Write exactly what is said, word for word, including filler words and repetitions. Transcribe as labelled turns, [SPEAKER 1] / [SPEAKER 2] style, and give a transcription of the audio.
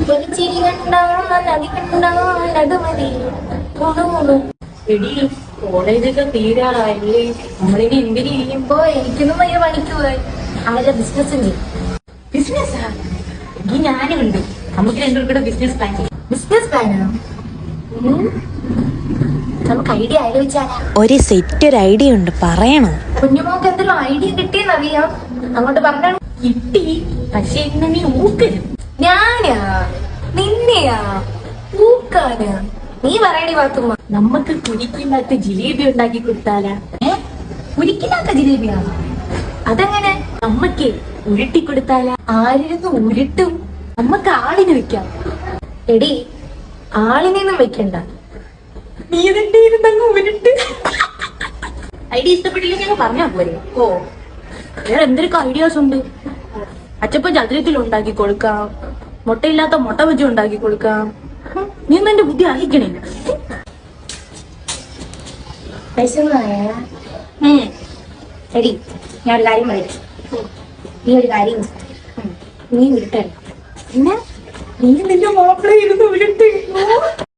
[SPEAKER 1] ഒരു ചിരി കണ്ടാ നദി കണ്ടാ അത് മതി.
[SPEAKER 2] എടി കോളേജൊക്കെ തീരാറായില്ലേ, നമ്മളിനി എന്തിനു ചെയ്യുമ്പോ?
[SPEAKER 1] എനിക്കൊന്നും വലിയ പണിക്ക് പോയി അവരുടെ ബിസിനസ് ഉണ്ട്.
[SPEAKER 2] ബിസിനസ്സാ? എങ്കിൽ ഞാനും ഉണ്ട്. നമുക്ക് രണ്ടുപേർക്കൂടെ ബിസിനസ് പ്ലാൻ ചെയ്യാം.
[SPEAKER 1] ബിസിനസ് പ്ലാനോ? നമുക്ക് ഐഡിയ ആലോചിച്ചാലാ?
[SPEAKER 3] ഒരു സെറ്റ് ഒരു ഐഡിയ ഉണ്ട്, പറയണോ?
[SPEAKER 1] കുഞ്ഞുമോക്ക് എന്തെങ്കിലും ഐഡിയ കിട്ടിയെന്നറിയാം, അങ്ങോട്ട് പറഞ്ഞാൽ
[SPEAKER 2] കിട്ടി. പക്ഷെ ഇന്ന് നീ ഊക്കരും.
[SPEAKER 1] ഞാനാ നിന്നെയാ ഊക്കാനാ? നീ പറയണി പാത്തുമ്മ.
[SPEAKER 2] നമുക്ക് കുരിക്കില്ലാത്ത ജിലേബി ഉണ്ടാക്കി കൊടുത്താലാ?
[SPEAKER 1] ഏ കുരിക്കില്ലാത്ത ജിലേബിയാ? അതെങ്ങനെ?
[SPEAKER 2] നമ്മക്ക് ഉരുട്ടി കൊടുത്താലാ?
[SPEAKER 1] ആരിരുന്ന് ഉരുട്ടും?
[SPEAKER 2] നമ്മക്ക് ആളിന് വെക്കാം.
[SPEAKER 1] എടി ആളിനെയൊന്നും വെക്കണ്ട,
[SPEAKER 2] നീ ഇതിന്റെ ഇരുന്നങ്ങ് ഉരുട്ട്. ഐഡിയ ഇഷ്ടപ്പെട്ടില്ലെങ്കിൽ ഞങ്ങൾ പറഞ്ഞാ പോരെ? ഓ, വേറെ എന്തൊക്കെ ഐഡിയാസ് ഉണ്ട്. അച്ചപ്പൻ ചതുരത്തിൽ ഉണ്ടാക്കി കൊടുക്കാം, മുട്ടയില്ലാത്ത മുട്ട ബജി ഉണ്ടാക്കി കൊടുക്കാം. നീ ഒന്നും എന്റെ ബുദ്ധി അയക്കണേ.
[SPEAKER 1] വിശന്നായ? എടി ഞാൻ ഒരു കാര്യം പറയാം. നീ ഒരു കാര്യം ചെയ്യ്. നീ ഉരുട്ടല്ല,
[SPEAKER 2] പിന്നെ നീ നിന്റെ മാപ്പിള ഇരുന്ന് ഉരുട്ട്.